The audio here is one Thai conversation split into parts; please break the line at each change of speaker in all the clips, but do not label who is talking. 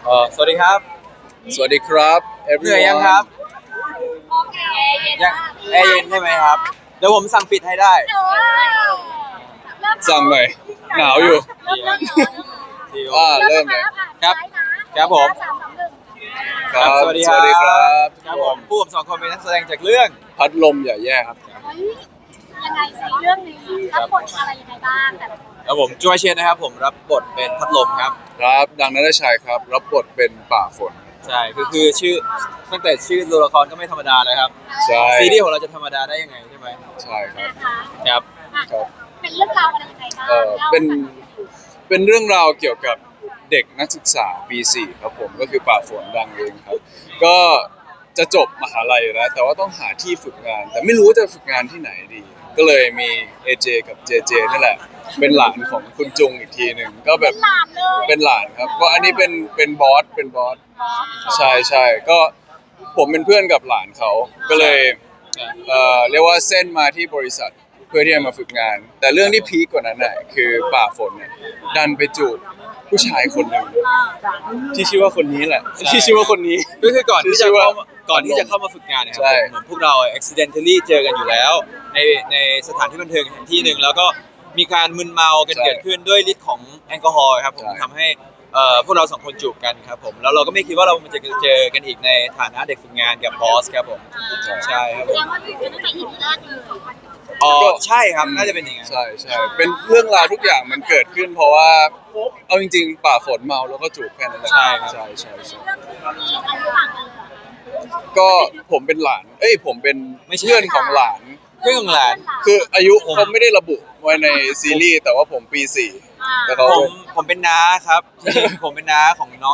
สวัสดีครับ
สวัสดีครับ
เหนื่อย
everyone
ยังครับ
โอเคเย็น
ยัง
มาก
แอร์เย็นใช่ไหมครับเดี๋ยวผมสั่งปิดให้ได้
ว้าวเริ่ม
สั่งหน่อยหนาวอยู่
เริ่ม
ดีโอ
เริ่มเลย
ครับครับผม
สามสองหนึ่ง
ครับ
สวัสดีครับ
ครับ
ครับผมผู้ผมสองคนเป็นนักแสดงจากเรื่อง
พัดลมอย่าแย่ครับ
เฮ้ยยังไงสิเรื่องนี้รับบทอะไรยังไงบ้างแต่ละคน
แล้วผมจวยเชนนะครับผมรับบทเป็นพัดลมครับ
ครับดังนันทชัยครับรับบทเป็นป่าฝน
ใช่คือชื่อตั้งแต่ชื่อตัวละครก็ไม่ธรรมดาเลยครับ
ใช่
ซีรีส์ของเราจะธรรมดาได้ยังไงใช่ไหม
ใช่ครับ
นะคะ
ครับ
อ่ะ
ครับ
เป็นเรื่องราวอะไรยังไงบ้าง
เป็นเรื่องราวเกี่ยวกับเด็กนักศึกษาปี4ครับผมก็คือป่าฝนดังเองครับก็จะจบมหาลัยแล้ว แต่ว่าต้องหาที่ฝึกงาน แต่ไม่รู้ว่าจะฝึกงานที่ไหนดี ก็เลยมี AJ กับ JJ นี่แหละเป็นหลานของคุณจุงอีกทีหนึ่งก็แบ
เป็
บ
นหลานเลย
เป็นหลานครับก็อันนี้เป็นบอสใช่ใช่ก็ผมเป็นเพื่อนกับหลานเขาก็เลยเรียกว่าเส้นมาที่บริษัทเพื่อที่จะมาฝึกงาน แต่เรื่องที่พีคกว่านั้นน่ะคือป่าฝนเนี่ยดันไปจูบผู้ชายคนหนึ่งที่ชื่อว่าคนนี้แหละที่ชื่อว่าคนนี้
ก็คือก่อนที่จะ
ชื่อว่า
เข้ามาฝึกงานเนยครั
ใช่
เหมือนพวกเรา accidentally เจอกันอยู่แล้วในสถานที่บันเทิงแห่งที่หนึ่งแล้วก็มีการมึนเมากันเกิดขึ้นด้วยฤทธิ์ของแอลกอฮอล์ครับผมทำให้พวกเราสองคนจูบกันครับผมแล้วเราก็ไม่คิดว่าเราจะเจอกันอีกในฐานะเด็กฝึกงานกับบอสครับผมใช่ครับ
แส
ผม
ดงว่าอยู่ตั้งแต่ EP แรกเลย
อ๋อใช่ครับน่าจะเป็นอย่างนั้น
ใช่ใช่เป็นเรื่องราวทุกอย่างมันเกิดขึ้น เพราะว่าเอาจริงๆป่าฝนเมาแล้วก็จูบแค่นั้นแหละ
ใช่ครับ
ใช่ใช่ใช่
เรื่องนี้อายุต่างกันเลยเหรอคะ
ก็ผมเป็นหลานผมเป็นเพื่อนของหลาน
เพื่อนของหลาน
คืออายุเขาไม่ได้ระบุไว้ในซีรีส์แต่ว่าผมปี4แต่เขา
ผมเป็นน้าครับจริงๆผมเป็นน้าของน้อง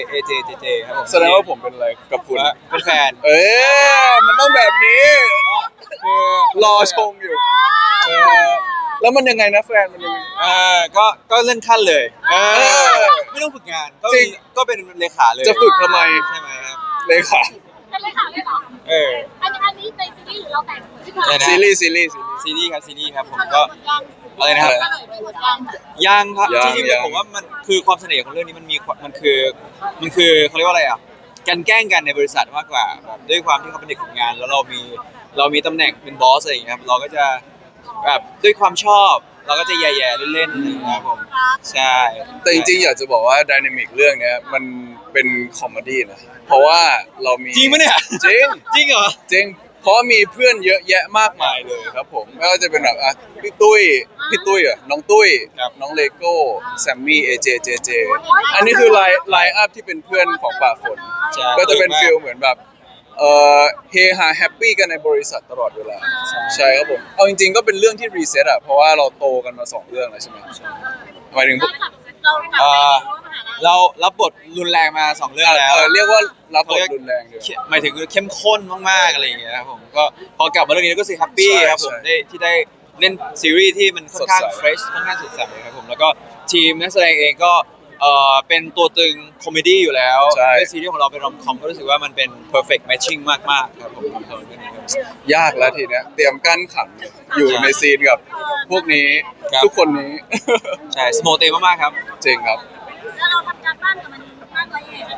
AJ ครับผม
แสดงว่าผมเป็นอะไรกับคุณ
เป็นแฟน
มันต้องแบบนี้
คือ
รอชมอยู่แล้วมันยังไงนะแฟนมันยังไง
ก็เลื่อนขั้นเลย
อ
ไม่ต้องฝึกงานก็
จริง
ก็เป็นเลขาเลย
จะฝึกทำไม
ใช่ไหมครับ
เลยค่ะ
เป็นเลยค่ะไม่หรอ
เออ
อันนี้ในซีรีส์หรือเราแต่งขึ้นมา
ใช่นะ
ซีรีส์
ซีรีส์ครับผมก็อะไรนะครับ
เฉลยไปหมดยัง
ยังครับ
ยัง
จริง
ยัง
ๆผมว่ามันคือความเสน่ห์ของเรื่องนี้มันคือเขาเรียกว่าอะไรอ่ะการแกล้งกันในบริษัทมากกว่าแบบด้วยความที่เขาเป็นเด็กฝึกงาน แล้วเรามีตำแหน่งเป็นบอสอะไรอย่างเงี้ยครับเราก็จะแบบด้วยความชอบ เราก็จะแย่ๆเล่นๆอะไรอย่างเงี้ยครับผมใช่
แต่จริงๆอยากจะบอกว่าไดนามิกเรื่องเนี้ยมันเป็นคอมเมดี้นะเพราะว่าเรามี
จริงปะเนี่ย
จริง
จริงเหรอ
จริงเพราะมีเพื่อนเยอะแยะมากมายเลยครับผมไม่ว่าจะเป็นแบบพี่ตุ้ยน้องตุ้ย
ครับ
น้องเลโก้แซมมี่เจอันนี้คือไลน์อัพที่เป็นเพื่อนของป่าฝน
ใช่
ก็จะเป็นฟิลเหมือนแบบเฮฮาแฮปปี้กันในบริษัทตลอดเวลาใช่ครับผมเอาจริงๆก็เป็นเรื่องที่รีเซ็ตเพราะว่าเราโตกันมา2 เรื่องแล้วใช่ไหมหมายถึง
เอ่อเรารับบทรุนแรงมา2 เรื่องแล้ว
เรียกว่ารับบทรุนแรงเดียว
หมายถึงเข้มข้นมากๆอะไรอย่างเงี้ยครับผมก็พอกลับมาเรื่องนี้ก็รู้สึกแฮปปี้
ใช่
ครับผม
ใช่
ที่ได้เล่นซีรีส์ที่มันค่อนข้าง
สดใส
เฟรชค่อนข้างสดใสครับผมแล้วก็ทีมนักแสดงเองก็เป็นตัวตึงคอมเมดี้อยู่แล้ว
ใช่
ด้วยซีรีส์ของเราเป็นรอมคอมก็รู้สึกว่ามันเป็น perfect matching มากๆครับผมสำหรับเรื่องนี้ครับ
ยากแล้วทีเนี้ยเตรียมกั้นขันอยู่ในซีนกับพวกนี้
ครับ
ทุกคนนี้
ใช่สโมเตมากๆครับ
จริงครับ
แล้วเราทำการบ้านกับมันมากน้อยยังไง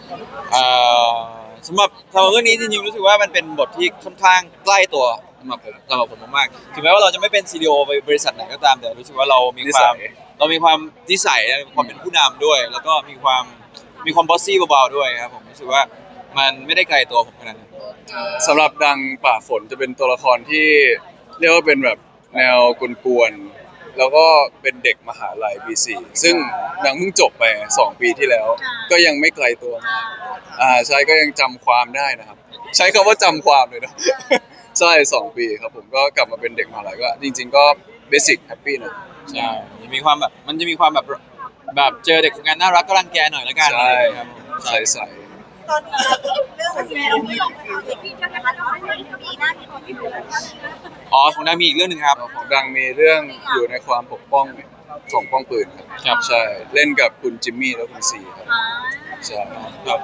สำหรับเรื่องนี้จริงๆรู้สึกว่ามันเป็นบทที่ค่อนข้างใกล้ตัวสำหรับผมมากๆถึงแม้ว่าเราจะไม่เป็นซีอีโอบริษัทไหนก็ตามแต่รู้สึกว่าเรามีความนิสัยความเป็นผู้นำด้วย แล้วก็มีความบอสซี่เบาๆด้วยครับผมรู้สึกว่ามันไม่ได้ไกลตัวผมขนาดนั้น
สำหรับดังป่าฝนจะเป็นตัวละครที่เรียกว่าเป็นแบบแนวกวนๆแล้วก็เป็นเด็กมหาลัยปี4ซึ่งนางเพิ่งจบไป2 ปีที่แล้ว ก็ยังไม่ไกลตัวมากใช่ก็ยังจำความได้นะครับ ใช้คำว่าจำความเลยนะ ใช่2 ปีครับผมก็กลับมาเป็นเด็กมหาลัยก็จริง ๆ ก็เบสิกแฮปปี้นะ
ใช่มีความแบบมันจะมีความแบบเจอเด็กฝึกงานน่ารักก็รังแกหน่อยละกัน
ใช่
อะไรอย่างเงี้ยครับผม
ใส่ใส่
ตอนนี้เรื่องมันไม่ลงนะคะเด็กพี่จะนะคะเราไม่มีหน้าที่คนที่อยู่แล้ว
อ๋อของนายมีอีกเรื่องหนึงครับ
ของดังมีเรื่องอยู่ในความปกป้องของป้องปืนครับ
ครับ
ใช่เล่นกับคุณจิมมี่และคุณซีครับใช่
ครับ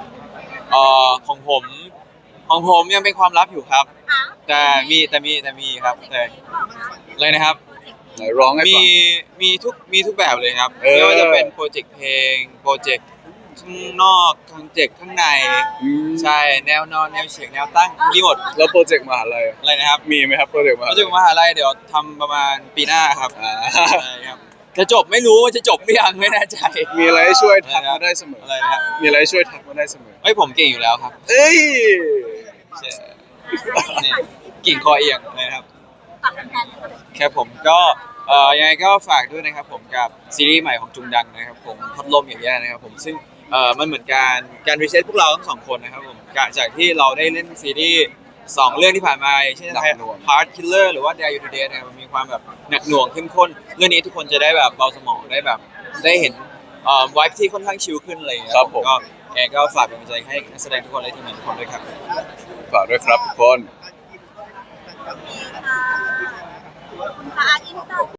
ของผมยังเป็นความลับอยู่ครับ แต่มีครับแต่อะไรนะครับ
ไหนร้องให้
มี
ฟัง
มีทุกแบบเลยครับ
เออ
ไม่ว่าจะเป็นโปรเจกต์เพลงโปรเจกต์ข้างนอกข้างเจ็กข้างใน ใช่แนวนอนแนวเฉียงแนวตั้งมีหมด
แล้วโปรเจกต์มหาลัย
อะไรนะครับ
มีไหมครับโปรเจกต์มหา
ก็
ลั
จะ
ย
มหาลัยเดี๋ยวทำประมาณปีหน้าครับ
อ่า
ใช่ครับจะจบไม่รู้ว่าจะจบหรือยังไม่แน่ใจ
มีอะไรให้ช่วยทักมาได้เสมอ
อะไรนะครับ
มีอะไรให้ช่วยทักมาได้เสมอ
เฮ้ยผมเก่งอยู่แล้วครับ
เอ้ย
ใช่นี่กิ่งคอเอียงนะครับ
ฝากแฟนๆเลย
ครับผมก็ยังไงก็ฝากด้วยนะครับผมกับซีรีส์ใหม่ของจุงดังนะครับผมพัดลมอย่างแย่นะครับผมซึ่งมันเหมือนการรีเซ็ตพวกเราทั้งสองคนนะครับผมจากที่เราได้เล่นซีรีส์สองเรื่องที่ผ่านมาเช่น
หนักหน่วง
Heart Killer หรือว่า Dare You to Date นะครับมันมีความแบบหนักหน่วงเข้มข้นเรื่องนี้ทุกคนจะได้แบบเบาสมองได้แบบได้เห็นไวท์ที่ค่อนข้างชิลขึ้นอะไรอย่างเงี้ย
ครับผม
ก็ยังไงก็ฝากเป็นกำลังใจให้นักแสดงทุกคนและทีมงานทุกคนด้วยครับ
ฝากด้วยครับทุกคน
ค่ะขอบคุณค่ะอินเตอร์